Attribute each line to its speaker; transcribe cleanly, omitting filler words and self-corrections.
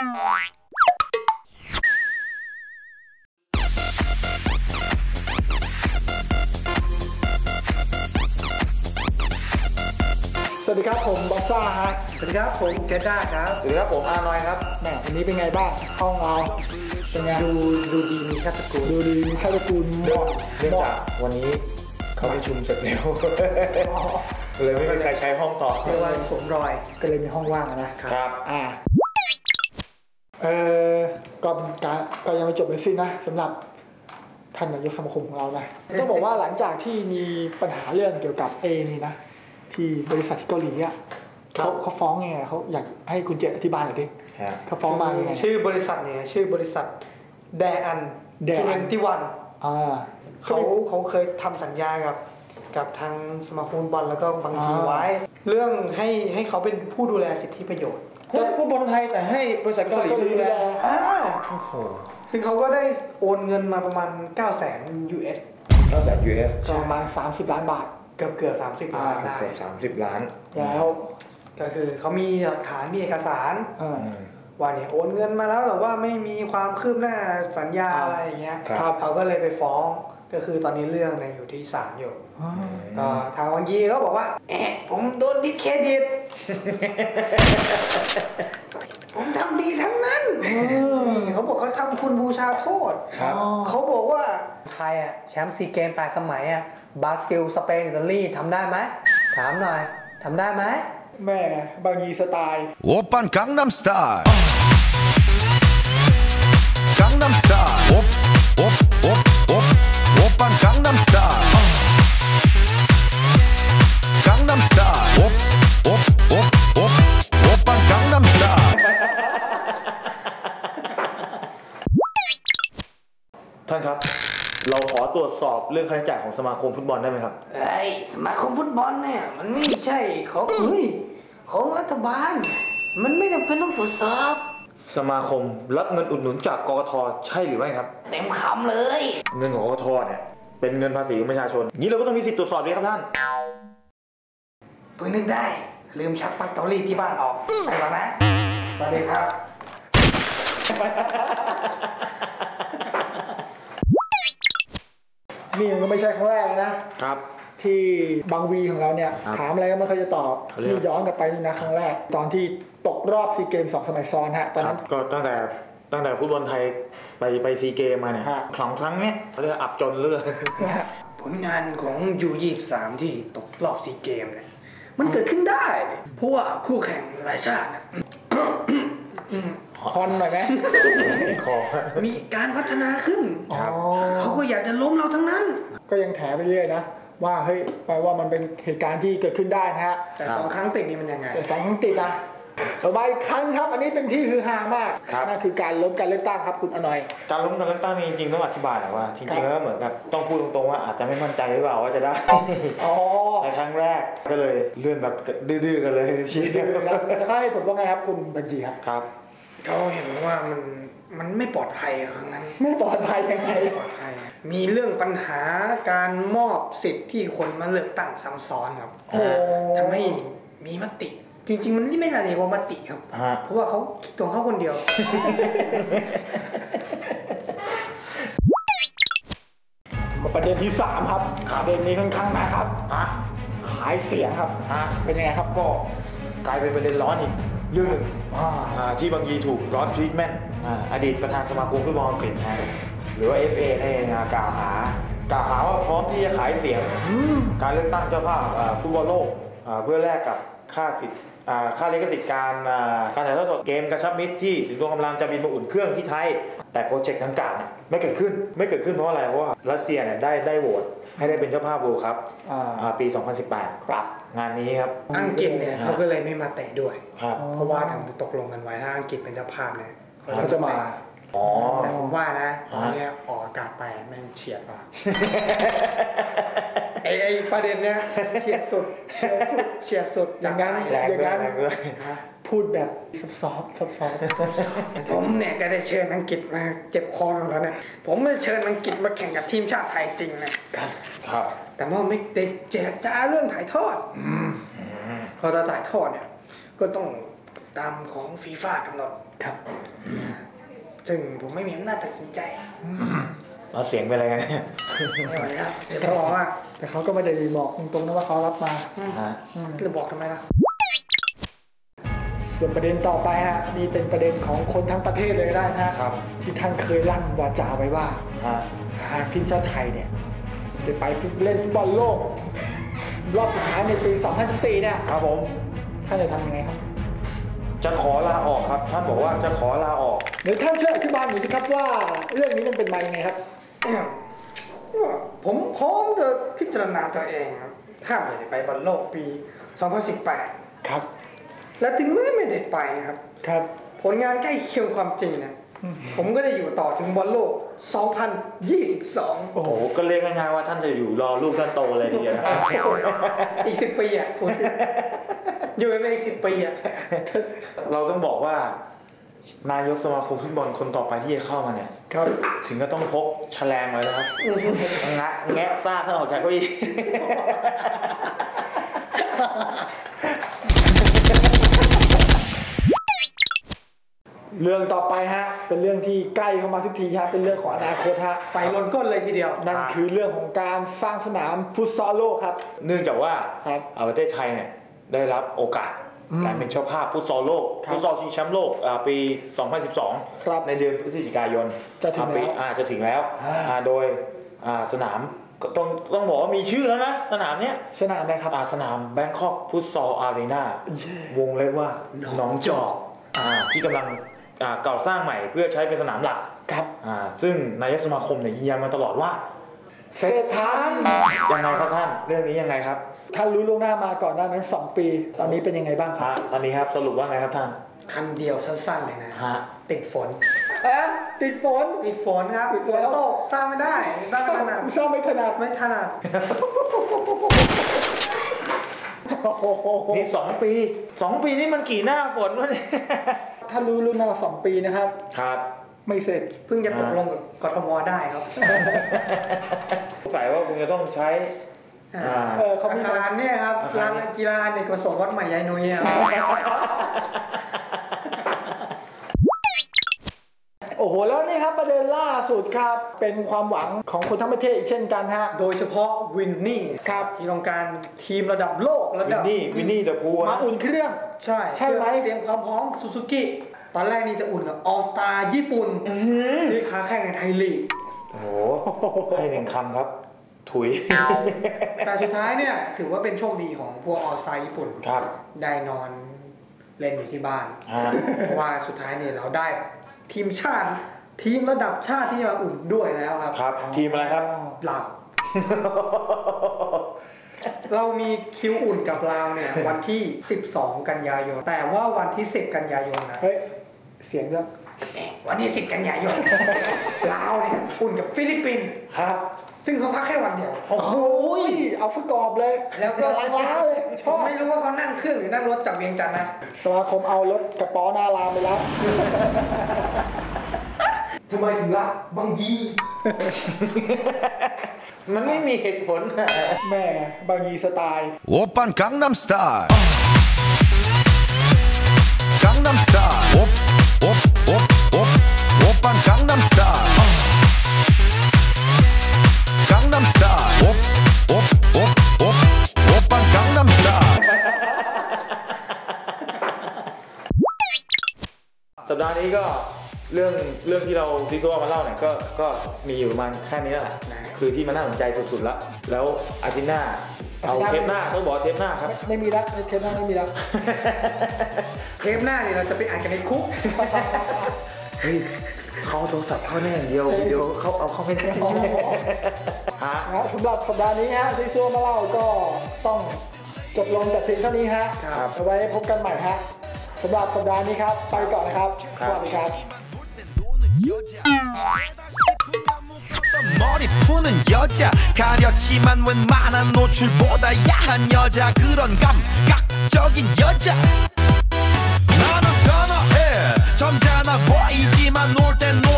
Speaker 1: สวัสดีครับผมบอสซ่าฮะ
Speaker 2: สวัสดีครับผมเจด้าครับ
Speaker 3: สวัสดีครับผมอานอยครับ
Speaker 1: แหมวันนี้เป็นไงบ้างห้องเราเป็นไง
Speaker 2: ดูดีมีชาติตระกูล
Speaker 1: ดูดีมีชาติตระกูล
Speaker 3: เนื่องจากวันนี้เขาประชุมเสร็จแล้วเลยไม่มีใครใช้ห้องต่อ
Speaker 2: เรียกว่าสวมรอย
Speaker 1: ก็เลยมีห้องว่างนะครับก็เป็นการก็ยังไม่จบเลยสินะสำหรับท่านนายกสมาคมของเรานะต้องบอกว่าหลังจากที่มีปัญหาเรื่องเกี่ยวกับนี่นะที่บริษัทที่เกาหลีอ่ะเขาฟ้องไงเขาอยากให้คุณเจษอธิบายหน่อยดิเขาฟ้องมาไง
Speaker 2: ชื่อบริษัทเนี่ยชื่อบริษัทแดอัน21เขาเคยทำสัญญากับทางสมาคมบอลแล้วก็บางทีไว้เรื่องให้เขาเป็นผู้ดูแลสิทธิประโยชน์
Speaker 1: ฟุตบอลไทยแต่ให้บริษัทเกาหลีดูแล
Speaker 2: ซึ่งเขาก็ได้โอนเงินมาประมาณ900,000 US
Speaker 1: ประมาณ30 ล้านบาท
Speaker 2: เกือบ30 ล้านได้
Speaker 3: เกือบ30 ล้าน
Speaker 1: แล้ว
Speaker 2: ก็คือเขามีหลักฐานมีเอกสารว่าเนี่ยโอนเงินมาแล้วแต่ว่าไม่มีความคืบหน้าสัญญาอะไรอย่างเงี้ยเขาก็เลยไปฟ้องก็คือตอนนี้เรื่องเนี่ยอยู่ที่ศาลอยู่ก็ทางวังยีเขาบอกว่าผมโดนดิสเครดิตผมทำดีทั้งนั้นเขาบอกเขาทำคุณบูชาโทษเขาบอกว่าไทยแชมป์ซีเกม8 สมัยบราซิลสเปนอิตาลีทำได้ไหมถามหน่อยทำได้ไหม
Speaker 1: แม่บางยีสไตล์
Speaker 4: โอปันกังนัมสไตล์กังนัมสไตล์โอปันกังนัมสไตล์กังนัมสไตล์โอปันกังนัมสไตล์
Speaker 3: ท่านครับเราขอตรวจสอบเรื่องค่าใช้จ่ายของสมาคมฟุตบอลได้ไหมครับ
Speaker 2: สมาคมฟุตบอลเนี่ยมันไม่ใช่ของรัฐบาลมันไม่จำเป็นต้องตรวจสอบ
Speaker 3: สมาคมรับเงินอุดหนุนจากกกต.ใช่หรือไม่ครับ
Speaker 2: เต็มคำเลย
Speaker 3: เงินของกกต.เนี่ยเป็นเงินภาษีของประชาชนนี้เราก็ต้องมีสิทธิ์ตรวจสอบดีครับท่าน
Speaker 2: เพิ่งนึกได้ลืมชักปลั๊กเตารีดที่บ้านออกไปแล้วนะสวัสดีครับ
Speaker 1: นี่มันก็ไม่ใช่ครั้งแรกนะครับที่บางวีของเราเนี่ยถามอะไรก็ไม่เคยจะตอบที่ย้อนกลับไปนี่นะครั้งแรกตอนที่ตกรอบซีเกม2 สมัยซ้อนฮะตอนนั้น
Speaker 3: ก็ตั้งแต่ฟุตบอลไทยไปซีเกมมาเนี่ยครั้งเนี้ยเรื่องอับจนเรื่อง
Speaker 2: ผลงานของU23ที่ตกรอบซีเกมเนี่ยมันเกิดขึ้นได้เพราะว่าคู่แข่งหลายชาติ
Speaker 1: คอนหน่อยไหม
Speaker 2: มีการพัฒนาขึ้นเขาก็อยากจะล้มเราทั้งนั้น
Speaker 1: ก็ยังแถไปเรื่อยนะว่าเฮ้ยแปลว่ามันเป็นเหตุการณ์ที่เกิดขึ้นได้นะฮะ
Speaker 2: แต่2 ครั้งติดนี่มันยังไง
Speaker 1: แต่2 ครั้งติดนะต่อไปครั้งครับอันนี้เป็นที่ฮือฮามากนั่นคือการล้มการเลือกตั้งครับคุณอนอย
Speaker 3: การล้มการเลือกตั้งนี่จริงๆต้องอธิบายหน่อยว่าจริงๆแล้วเหมือนกับต้องพูดตรงๆว่าอาจจะไม่มั่นใจหรือเปล่าว่าจะได้ในครั้งแรกก็เลยเลื่อนแบบดื้อๆกันเลย
Speaker 1: ชี้ดื้อแล้วให้ผมว่าไงครับคุณบัญชี
Speaker 3: ครับ
Speaker 2: เขาเห็นว่ามันไม่ปลอดภัยครั้งนั้น
Speaker 1: ไม่ปลอดภัยยังไง
Speaker 2: มีเรื่องปัญหาการมอบสิทธิ์ที่คนมาเลือกตั้งซ้ำซ้อนครับทำให้มีมติจริงๆมันไม่น่าเรียกว่ามติครับเพราะว่าเขาคิดตัวเขาคนเดียว
Speaker 1: มาประเด็นที่3ครับประเด็นนี้ค่อนข้างนะครับขายเสียงครับเป็นยังไงครับก็
Speaker 3: กลายเป็นประเด็นร้อนอีกเรื่องหนึ่งที่บางยีถูกร้อนทรีทเมนต์อดีตประธานสมาคมฟุตบอลอังกฤษหรือว่า FA นี่กล่าวหาว่าพร้อมที่จะขายเสียงการเลือกตั้งเจ้าภาพฟุตบอลโลกเพื่อแลกกับค่าลิขสิทธิ์การถ่ายทอดสดเกมกระชับมิตรที่สิงห์ทองกำลังจะบินมาอุ่นเครื่องที่ไทยแต่โปรเจกต์ดังกล่าวเนี่ยไม่เกิดขึ้นเพราะอะไรเพราะว่ารัสเซียเนี่ยได้โหวตให้ได้เป็นเจ้าภาพ World Cup ปี 2018ครับงานนี้ครับ
Speaker 2: อังกฤษเนี่ยเขาก็เลยไม่มาเตะด้วยเพราะว่าทางตกลงกันไว้ถ้าอังกฤษเป็นเจ้าภาพเนี่ย
Speaker 1: เขาจะมา
Speaker 2: แต่ผมว่านะตอนนี้ออกอากาศไปแม่งเฉียดว่ะไอ้ประเด็นเนี้ยเฉียดสุด
Speaker 1: อย่างนั้นพูดแบบซอฟ
Speaker 2: ผมเนี่ยก็ได้เชิญอังกฤษมาเจ็บคอแล้วเนี่ยผมไม่เชิญอังกฤษมาแข่งกับทีมชาติไทยจริงนะครับแต่ว่าไม่ได้เจรจาเรื่องถ่ายทอดพอจะถ่ายทอดเนี่ยก็ต้องตามของฟีฟ่ากำหนด
Speaker 1: ครับ
Speaker 2: ซึ่งผมไม่มีอำนาจตัดสินใจ
Speaker 3: เราเสียงเป็นอะไรกันเนี่ย
Speaker 2: ไม่ไหวแล้วเดี๋ยวเขาบอกว่า
Speaker 1: แต่เขาก็ไม่ได้บอกตรงๆนะว่าเขารับมา
Speaker 3: ฮะ
Speaker 2: จะบอกทำไมล่ะ
Speaker 1: ส่วนประเด็นต่อไปฮะนี่เป็นประเด็นของคนทั้งประเทศเลยก็ได้นะครับ ที่ท่านเคยลั่นวาจาไว้ว่า
Speaker 3: ฮะ
Speaker 1: หากทีมชาติไทยเนี่ยจะไปเล่นฟุตบอลโลกรอบสุดท้ายในปี 2014 เนี่ย
Speaker 3: ครับผม
Speaker 1: ท่านจะทำยังไงครับ
Speaker 3: จะขอลาออกครับท่านบอกว่าจะขอลาออก
Speaker 1: เดี๋ยวท่านช่วยอธิบายหน่อยสิครับว่าเรื่องนี้มันเป็นมายังไงครับ
Speaker 2: ผมพร้อมจะพิจารณาตัวเองครับถ้าไม่ได้ไปบอลโลกปี 2018
Speaker 1: ครับ
Speaker 2: และถึงแม้ไม่ได้ไปครับ
Speaker 1: ครับ
Speaker 2: ผลงานใกล้เคียงความจริงนะผมก็จะอยู่ต่อถึงบอลโลก 2022
Speaker 3: โอ้โหก็เรียกง่ายๆว่าท่านจะอยู่รอลูกท่านโตเลยทีเดียวนะ
Speaker 2: อีก 10 ปีอ่ะคุณอยู่ไปอีก 10 ปีอ่ะ
Speaker 3: เราต้องบอกว่า นายกสมาคมฟุตบอลคนต่อไปที่จะเข้ามาเนี่ย
Speaker 1: ครับ
Speaker 3: ถึงก็ต้องพกแฉลงไว้นะครับแงะซากท่านออกจากเก้าอี้
Speaker 1: เรื่องต่อไปฮะเป็นเรื่องที่ใกล้เข้ามาทุกทีฮะเป็นเรื่องของอนาคตฮะ
Speaker 2: ไฟล้นก้นเลยทีเดียว
Speaker 1: นั่นคือเรื่องของการสร้างสนามฟุตซอลโลกครับ
Speaker 3: เนื่องจากว่า
Speaker 1: ครับ
Speaker 3: ประเทศไทยเนี่ยได้รับโอกาสการเป็นเจ้าภาพฟุตซอลโลก
Speaker 1: ครับ
Speaker 3: ฟุตซอลชิงแชมป์โลกปี 2012
Speaker 1: ครับ
Speaker 3: ในเดือนพฤศจิกายน
Speaker 1: จะถึงแล้ว
Speaker 3: จะถึงแล้วโดยสนามก็ต้องบอกว่ามีชื่อแล้วนะสนามเนี้ย
Speaker 1: สนามอะไรครับ
Speaker 3: สนามแบงคอกฟุตซอลอารีนาวงเล็บว่าหนองจอกที่กำลังก่อสร้างใหม่เพื่อใช้เป็นสนามหลัก
Speaker 1: ครับ
Speaker 3: ซึ่งนายกสมาคมเนี่ยยืนยันมาตลอดว่า
Speaker 1: เสร็จทาง
Speaker 3: ยังไงครับท่านเรื่องนี้ยังไงครับ
Speaker 1: ท่านรู้ล่วงหน้ามาก่อนหน้านั้น 2 ปี ตอนนี้เป็นยังไงบ้างครับ
Speaker 3: ตอนนี้ครับสรุปว่าไงครับท่าน
Speaker 2: คำเดียวสั้นๆเลยนะ
Speaker 3: ฮะ
Speaker 2: ติดฝน
Speaker 1: ติดฝน
Speaker 2: ติดฝนครับฝนตกสร้างไม่ได้สร้างไม่ถนัด
Speaker 1: สร้างไม่ถนัด
Speaker 2: ไม่ถนัด
Speaker 3: นี่2 ปีนี่มันกี่หน้าฝนวะเนี่ย
Speaker 1: ท่านรู้ล่วงหน้า2 ปีนะครับ
Speaker 3: ครับ
Speaker 1: ไม่เสร็จ
Speaker 2: เพิ่งจะตกลงกับกทมได้ครับ
Speaker 3: สงสัยว่าคงจะต้องใช้
Speaker 1: เขามี
Speaker 2: อาคารเนี่ยครับ
Speaker 3: อาคาร
Speaker 2: ลานกีฬาเด็กประสงค์วัดใหม่ยายนุ้ยครับ
Speaker 1: โอ้โหแล้วนี่ครับประเด็นล่าสุดครับ เป็นความหวังของคนทั้งประเทศอีกเช่นกันฮะ
Speaker 2: โดยเฉพาะวินนี่
Speaker 1: ครับ
Speaker 2: ที่ต้องการทีมระดับโลกระ
Speaker 3: วิ
Speaker 2: ดั
Speaker 3: น
Speaker 2: บ
Speaker 3: นี่เดอะพูล
Speaker 1: มาอุ่นเครื่อง
Speaker 2: ใช่
Speaker 1: ใช่ไหม
Speaker 2: เตรียมความพร้อมซูซูกิตอนแรกนี่จะอุ่นกับออสตาญี่ปุ่นที่ค้าแข่งในไทยลีก
Speaker 3: โอ้โหให้หนึ่งคำครับ ถุย
Speaker 2: แต่สุดท้ายเนี่ยถือว่าเป็นโชคดีของพวกออสตาญี่ปุ่น
Speaker 3: ครับ
Speaker 2: ได้นอนเล่นอยู่ที่บ้าน
Speaker 3: อ่า
Speaker 2: เพราะว่าสุดท้ายเนี่ยเราได้ทีมชาติทีมระดับชาติที่มาอุ่นด้วยแล้วครับ
Speaker 3: ครับ ทีมอะไรครับ
Speaker 2: ลาว เรามีคิวอุ่นกับลาวเนี่ยวันที่ 12 กันยายน แต่ว่าวันที่ 10 กันยายนนะ
Speaker 1: เฮ้ย เสียงด้วย
Speaker 2: วันที่ 10 กันยายน ลาวเนี่ยอุ่นกับฟิลิปปินส์
Speaker 3: ครับ
Speaker 2: ซึ่งเขาพักแค่วันเดียว
Speaker 1: โอ้โหเอาฟุตกรอบเลย
Speaker 2: แล้วก็
Speaker 1: ล้าเลยช
Speaker 2: ผ
Speaker 1: อ
Speaker 2: ม
Speaker 1: บ
Speaker 2: ไม่รู้ว่าเขานั่งเครื่องหรือนั่งรถจากเวียงจันทร์นะ
Speaker 1: สมาคมเอารถกระป๋อหน้ารามไปแล้ว
Speaker 2: ทำไมถึงรักบางยี
Speaker 3: มันไม่มีเหตุผล
Speaker 1: แม่บางยีสไตล์
Speaker 4: 오빤 강남스타일 강남스타일 오빤 강남스타일 강남스타일 오빤 강남스타일
Speaker 3: สัปดาห์นี้ก็เรื่องที่เราซิโก้มาเล่าเนี่ยก็มีอยู่ประมาณแค่นี้แหละคือที่มันน่าสนใจสุดๆแล้วอาทิตย์หน้าเอาเทปหน้าต้องบอกเทปหน้าครับ
Speaker 1: ไม่มีแล้วเทปหน้าไม่มีแล้ว
Speaker 2: เทปหน้าเนี่ยเราจะไปอ่านกันในคุก
Speaker 3: เฮ้ยเขาเอาโทรศัพท์เข้าแน่อย่างเดียววิดีโอเขาเอาเข้าไม่ได้ฮะ
Speaker 1: สำหรับสัปดาห์นี้ฮะซีซัวมาเล่าก็ต้องจบลงแต่เพียงเท่านี้ฮะ
Speaker 3: ครับ
Speaker 1: เอาไว้พบกันใหม่ฮะสำหรับสัปดาห์นี้ครับ ไปก่อนนะครับสวัสดีครับ
Speaker 4: 머리 푸는 여자 가렸지만 웬만한 노출보다 야한 여자 그런 감각적인 여자 나는 선어해 점잖아 보이지만 놀 땐